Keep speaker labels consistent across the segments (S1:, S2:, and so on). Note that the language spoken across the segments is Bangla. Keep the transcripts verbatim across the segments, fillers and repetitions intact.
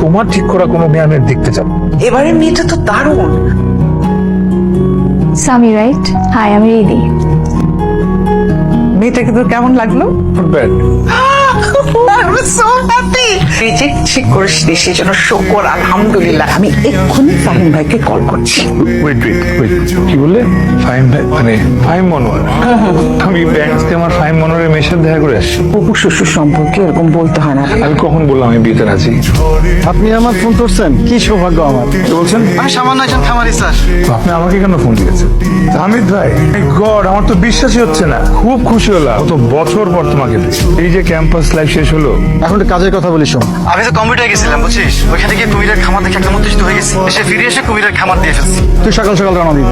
S1: তোমার ঠিক করা কোনো মেয়ে আমি আর দেখতে চাই না।
S2: এবারে মেয়েটা তো দারুণ।
S3: সামি রাইট? হাই, আমি রিদি।
S2: মেয়েটাকে তো কেমন লাগলো?
S1: Not bad.
S2: I'm so happy. Reject ঠিক করিসনি, সেই জন্য শুকর আলহামদুলিল্লাহ। আমি এক্ষুনি ফাহিম ভাইকে কল করছি।
S1: Wait, wait, wait. কি বললে? ফাহিম ভাই মানে ফাহিম মনোয়ার? আমি ব্যাংক আমার ফাহিম মনোয়ারের মেয়ের সাথে দেখা করে আসছি।
S2: অপু শ্বশুর সম্পর্কে এরকম বলতে হয় না।
S1: আমি কখন বললাম আমি বিয়েতে রাজি?
S4: আপনি আমার ফোন করছেন, কি সৌভাগ্য আমার।
S1: কি বলছেন?
S4: আমি সামান্য একজন খামারি স্যার।
S1: আপনি আমাকে কেন ফোন দিয়েছেন? হামিদ ভাই, গড, আমার তো বিশ্বাসই হচ্ছে না। খুব খুশি হলাম কত বছর পর তোমাকে পেয়ে। এই যে ক্যাম্পাস লাইফ শেষ হলো,
S4: এখন একটু কাজের কথা বলি শোন। আমি তো কম্পিউটার গেছিলাম বুঝছিস, ওইখানে গিয়ে কুমিরের খামার দেখে একটা উত্তেজিত হয়ে গেছি। এসে ফিরে এসে কুমিরের খামার দিয়ে ফেলছি। তুই সকাল সকাল রওনা দিবি।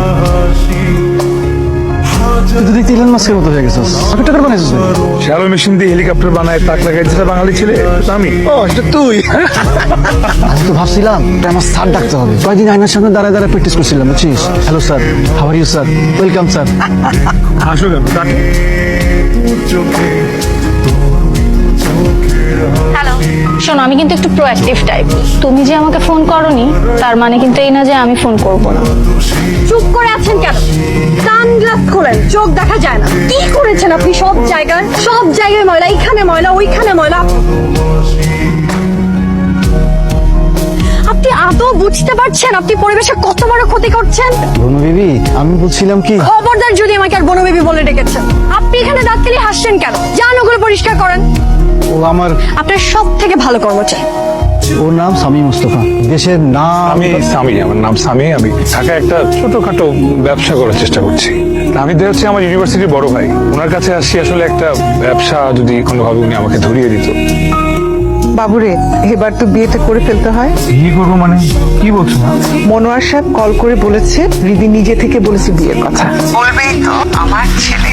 S4: তুই তো দেখতে ইলন মাস্কের মতো হয়ে গেছিস। কম্পিউটার বানাইছিস নাকি?
S1: শ্যালো মেশিন দিয়ে হেলিকপ্টার বানায় তাক লাগাই যেটা বাঙালি ছেলে এটা আমি।
S4: ও এটা তুই। আমি তো ভাবছিলাম এটা আমার স্যার ডাকতে হবে। কয়েকদিন আয়নার সামনে দাঁড়ায় দাঁড়ায় প্র্যাকটিস করছিলাম বুঝছিস। Hello sir, how are you sir, welcome sir.
S1: আসো কেন? ডাক-
S3: হ্যালো, শোনো, আমি কিন্তু একটু প্রোঅ্যাক্টিভ টাইপ। তুমি যে আমাকে ফোন করনি তার মানে কিন্তু এই না যে আমি ফোন করব না।
S5: চুপ করে আছেন কেন? সানগ্লাস খোলেন, চোখ দেখা যায় না। কি করেছেন আপনি? সব জায়গায় সব জায়গায় ময়লা, এইখানে ময়লা, ওইখানে ময়লা। আপনি আদৌ বুঝতে পারছেন আপনি পরিবেশের কত বড় ক্ষতি করছেন?
S4: বনু বিবি, আমি বলছিলাম কি,
S5: খবরদার যদি আমাকে আর বনবেবি বলে ডেকেছেন। আপনি এখানে দাঁত কেলিয়ে হাসছেন কেন? যান ওগুলো পরিষ্কার করেন।
S4: ও আমার,
S5: আপনার সব থেকে ভালো কর্মচারী।
S4: ওর নাম সামি মুস্তফা, দেশের নাম।
S1: আমি সামি, আমার নাম সামি। আমি ঢাকায় একটা ছোটখাটো ব্যবসা করার চেষ্টা করছি। আমি তো হচ্ছে আমার ইউনিভার্সিটির বড় ভাই, ওনার কাছে আসছি আসলে একটা ব্যবসা যদি কোনোভাবে উনি আমাকে ধরিয়ে দিত।
S2: বাবুরে, এবার তো বিয়েটা করে ফেলতে হয়।
S1: কি করবো মানে? কি বলছো না?
S2: মনোয়ার সাহেব কল করে বলেছে রিদি নিজে থেকে বলেছে বিয়ের কথা। বলবেই তো, আমার ছেলে